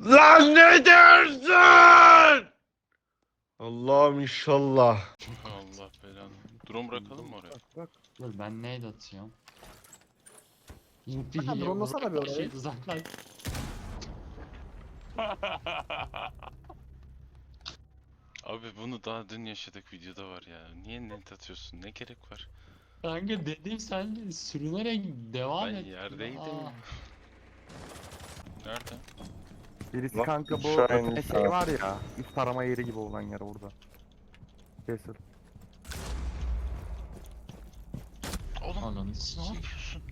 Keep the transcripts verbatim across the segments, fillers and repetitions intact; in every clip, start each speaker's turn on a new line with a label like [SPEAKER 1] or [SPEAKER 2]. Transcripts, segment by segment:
[SPEAKER 1] Lan ne dersin? Allah'ım inşallah.
[SPEAKER 2] Allah belanı. Drone bırakalım mı oraya?
[SPEAKER 3] Bak bak.
[SPEAKER 4] Dur ben nade atıyorum.
[SPEAKER 3] Ha, drone'lasana bir orayı.
[SPEAKER 4] Şey uzaklaş.
[SPEAKER 2] Abi bunu daha dün yaşadık, videoda var ya. Niye net atıyorsun? Ne gerek var?
[SPEAKER 4] Kanka dedim sen de sürünerek devam
[SPEAKER 2] Ben
[SPEAKER 4] et.
[SPEAKER 2] yerdeydim.
[SPEAKER 4] Aa.
[SPEAKER 2] Nerede?
[SPEAKER 3] Birisi
[SPEAKER 1] Bak,
[SPEAKER 3] kanka bu
[SPEAKER 1] aşağı
[SPEAKER 3] ötene
[SPEAKER 1] inmiş
[SPEAKER 3] şey
[SPEAKER 1] ha.
[SPEAKER 3] var ya. Üst arama yeri gibi olan yer orada. Kesin.
[SPEAKER 2] Oğlum
[SPEAKER 4] Ananı
[SPEAKER 2] ne
[SPEAKER 4] sikeyim.
[SPEAKER 2] yapıyorsun?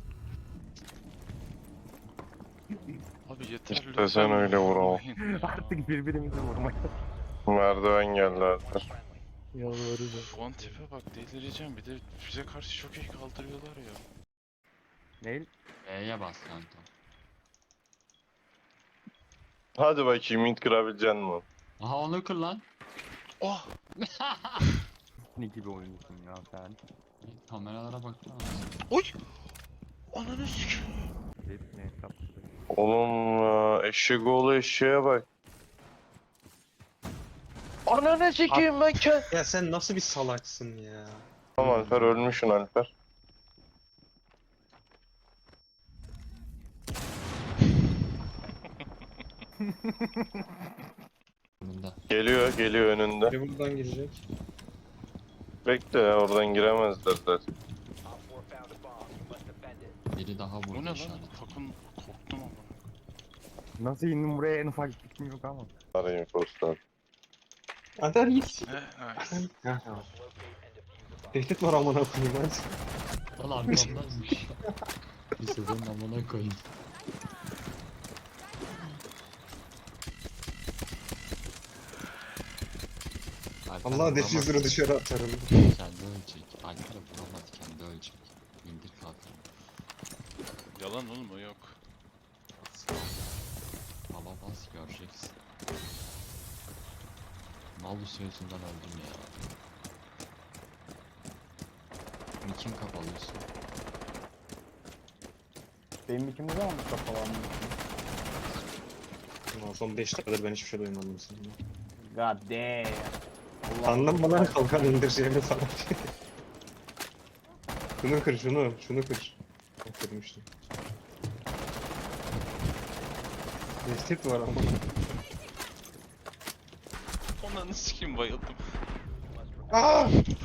[SPEAKER 2] Abi yeter
[SPEAKER 1] İşte
[SPEAKER 2] lütfen
[SPEAKER 1] sen öyle vur ama.
[SPEAKER 2] vurmayın ya.
[SPEAKER 3] Artık birbirimizi vurmaya
[SPEAKER 1] Merdiven geldi artık.
[SPEAKER 3] yalvaracağım.
[SPEAKER 2] Şu an tipe bak, delireceğim. Bir de bize karşı çok iyi kaldırıyorlar ya.
[SPEAKER 3] Neil?
[SPEAKER 4] E'ye bas kanka.
[SPEAKER 1] Hadi bakayım int kırabilecek mi?
[SPEAKER 4] Aha onu kır lan.
[SPEAKER 2] Oh!
[SPEAKER 3] Ne gibi oynuyorsun ya sen?
[SPEAKER 4] Kameralara baksana.
[SPEAKER 2] Oy! Ananı sikeyim.
[SPEAKER 3] Hepsini hesapladık.
[SPEAKER 1] Oğlum ya, eşek oğlu eşeğe bak. Ananı sikeyim ben kend...
[SPEAKER 5] Ya sen nasıl bir salaksın ya?
[SPEAKER 1] Tamam Alper, ölmüşsün Alper.
[SPEAKER 4] Bunda.
[SPEAKER 1] Geliyor geliyor önünde.
[SPEAKER 5] Biri buradan girecek.
[SPEAKER 1] Bekle ya, oradan giremezler zaten.
[SPEAKER 4] Biri daha
[SPEAKER 2] Bu
[SPEAKER 4] vurdu
[SPEAKER 2] ne lan?
[SPEAKER 4] işaret.
[SPEAKER 2] Takım korktum ama.
[SPEAKER 3] Nasıl indim buraya en ufak fikrim yok ama.
[SPEAKER 1] Arayın postlar.
[SPEAKER 5] Adar git.
[SPEAKER 2] He, nice.
[SPEAKER 5] Tehdit var amına koyayım hadi.
[SPEAKER 4] Lan arkamdaymış. Bir sezon amına koyayım. Alper
[SPEAKER 5] Allah
[SPEAKER 4] vuramaz.
[SPEAKER 5] defüzörü dışarı atarım.
[SPEAKER 4] Kendi ölecek. Alper vuramaz, kendi ölecek. İndir kalkan.
[SPEAKER 2] Yalan oğlum, o yok.
[SPEAKER 4] Baba bas göreceksin. Malus yüzünden öldüm ya. Bunu kim kapalıyorsun?
[SPEAKER 6] Benim ikimiz de almış kafalanmış.
[SPEAKER 5] Ulan son beş dakikadır ben hiçbir şey duymadım senden.
[SPEAKER 6] God damn. Allah
[SPEAKER 5] Sandın bana kalkan indireceğimi falan. Şunu kır şunu, şunu kır. Bak, kırmıştım. Tehdit var ama.
[SPEAKER 2] Ananı sikeyim, bayıldım.
[SPEAKER 5] Aa!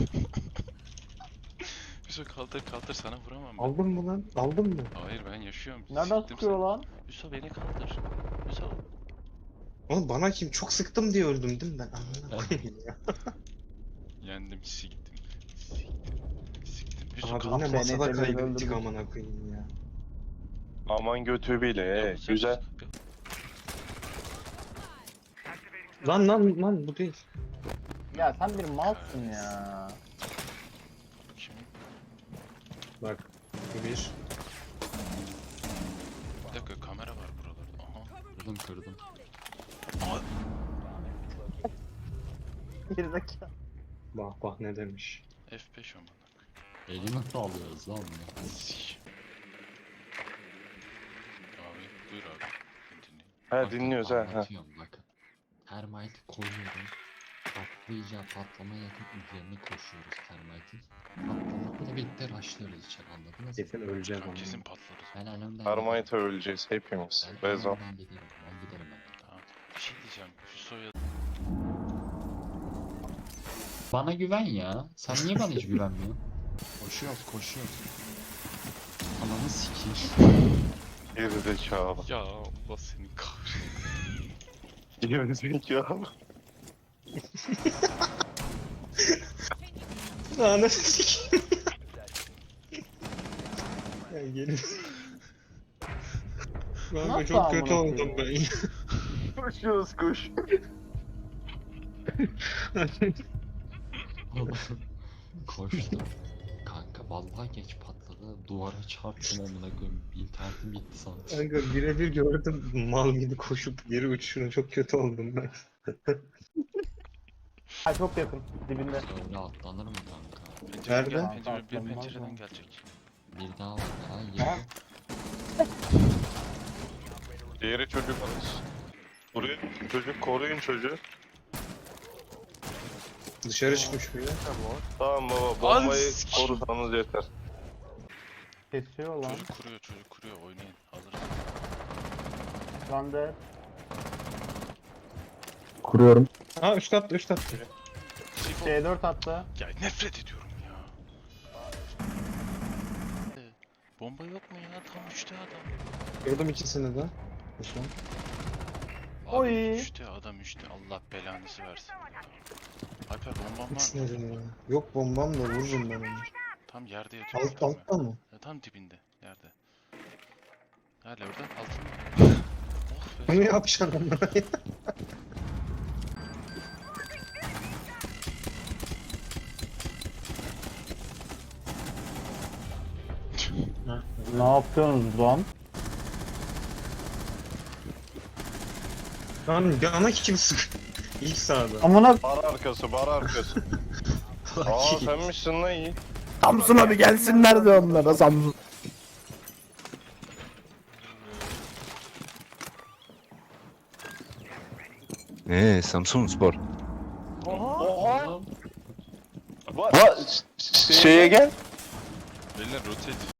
[SPEAKER 2] Hüso kaldır kaldır, sana vuramam ben.
[SPEAKER 5] Aldın mı lan? Aldın mı?
[SPEAKER 2] Hayır, ben yaşıyorum.
[SPEAKER 6] Nereden
[SPEAKER 2] Siktim
[SPEAKER 6] sıkıyor
[SPEAKER 2] seni.
[SPEAKER 6] lan?
[SPEAKER 2] Hüso beni kaldır. Hüso.
[SPEAKER 5] Oğlum bana kim? Çok sıktım diye öldüm değil mi ben? Amına koyayım ya.
[SPEAKER 2] Yendim, siktim. Siktim. Siktim. Hüso
[SPEAKER 5] Abi
[SPEAKER 2] kaldır.
[SPEAKER 5] yine
[SPEAKER 6] Seni
[SPEAKER 5] masada
[SPEAKER 6] temiz
[SPEAKER 5] kaybettik
[SPEAKER 6] öldürdüm.
[SPEAKER 5] amına koyayım ya.
[SPEAKER 1] Aman götü bile,
[SPEAKER 2] Ya
[SPEAKER 1] he,
[SPEAKER 2] bu sen-
[SPEAKER 1] güzel.
[SPEAKER 5] Lan lan lan bu değil.
[SPEAKER 6] Ya sen bir malsın ya.
[SPEAKER 2] Kim?
[SPEAKER 5] Bak. Bu bir.
[SPEAKER 2] Bir dakika, kamera var buralarda. Aha.
[SPEAKER 4] Kırdım kırdım.
[SPEAKER 6] Gerizekalı.
[SPEAKER 5] Bak bak ne demiş.
[SPEAKER 2] F beş amına.
[SPEAKER 4] Elimi nasıl alıyoruz lan bunu?
[SPEAKER 2] Sik. Abi buyur abi. Ben dinleyeyim.
[SPEAKER 1] He
[SPEAKER 4] Bakın,
[SPEAKER 1] dinliyoruz ha. ha.
[SPEAKER 4] anlatıyorum bakın. Termite koyuyorum. Patlayacağı patlamaya yakın üzerine koşuyoruz termite'in. Patlamakla birlikte rushlıyoruz içeri, anladınız mı?
[SPEAKER 5] Kesin öleceğim
[SPEAKER 2] Tamam,
[SPEAKER 5] ama.
[SPEAKER 2] kesin patlarız.
[SPEAKER 4] Ben önümden
[SPEAKER 1] Termite öleceğiz hepimiz.
[SPEAKER 4] Ben
[SPEAKER 1] Bezon.
[SPEAKER 4] önümden giderim. Ben giderim ben.
[SPEAKER 2] Tamam. Bir şey diyeceğim. Hüso'ya
[SPEAKER 4] Bana güven ya. Sen niye bana hiç güvenmiyorsun? Koşuyoruz koşuyoruz. Ananı sikeyim.
[SPEAKER 1] Geri zekalı.
[SPEAKER 2] ya Allah seni kahretsin.
[SPEAKER 1] Geri zekalı.
[SPEAKER 5] Ananı sikeyim. Ya gelin. Ben
[SPEAKER 6] Nasıl
[SPEAKER 5] çok kötü
[SPEAKER 6] amına
[SPEAKER 5] oldum ben.
[SPEAKER 6] koyayım?
[SPEAKER 1] Koşuyoruz koş.
[SPEAKER 4] Koştum. Kanka vallahi geç patladı. Duvara çarptım amına koyayım. İnternetim gitti sandım.
[SPEAKER 5] Kanka birebir gördüm mal gibi koşup geri uçuşuna çok kötü oldum ben.
[SPEAKER 6] Ha çok yakın dibinde.
[SPEAKER 4] Öyle atlanır mı kanka?
[SPEAKER 2] Pencereden gel,
[SPEAKER 5] Nerede?
[SPEAKER 2] pencere, bir
[SPEAKER 6] Atlanmaz
[SPEAKER 2] pencereden
[SPEAKER 6] mı?
[SPEAKER 2] gelecek.
[SPEAKER 4] Bir daha var. Ha
[SPEAKER 6] Ha?
[SPEAKER 4] yedi.
[SPEAKER 1] Diğeri çocuk alır. Buraya çocuk koruyun çocuğu.
[SPEAKER 5] Dışarı çıkmış biri.
[SPEAKER 1] Tamam baba bombayı
[SPEAKER 2] sikeyim.
[SPEAKER 1] korusanız yeter.
[SPEAKER 6] Kesiyor lan.
[SPEAKER 2] Çocuk kuruyor, çocuk kuruyor. Oynayın. Alırız.
[SPEAKER 6] Lan de.
[SPEAKER 3] Kuruyorum.
[SPEAKER 5] Ha üst kat üst kat.
[SPEAKER 2] Sifo.
[SPEAKER 6] C dört attı.
[SPEAKER 2] Ya nefret ediyorum ya. Bomba yok mu ya? Tam üçte adam.
[SPEAKER 5] Gördüm ikisini de. Osman.
[SPEAKER 2] Abi
[SPEAKER 6] Oy.
[SPEAKER 2] üçte adam üçte. Allah belanızı versin. Alper bombam var
[SPEAKER 5] Üç
[SPEAKER 2] mı?
[SPEAKER 5] nedir ya? Yok bombam da vururum ben onu.
[SPEAKER 2] Tam yerde yatıyor.
[SPEAKER 5] Alt alttan mı?
[SPEAKER 2] Ya, tam dibinde. Yerde. Hala orada altında. Oh be.
[SPEAKER 5] Onu yapacaksın onlara ya.
[SPEAKER 6] Ne yapıyorsunuz lan?
[SPEAKER 5] Lan yana kim sık? İlk sağda.
[SPEAKER 6] Amına
[SPEAKER 1] Bar arkası bar arkası. Aa senmişsin lan iyi.
[SPEAKER 3] Samsun abi gelsinler de onlara Samsun.
[SPEAKER 7] Eee Samsun Spor.
[SPEAKER 1] Oha. Va şeye gel.
[SPEAKER 2] Beyler rotate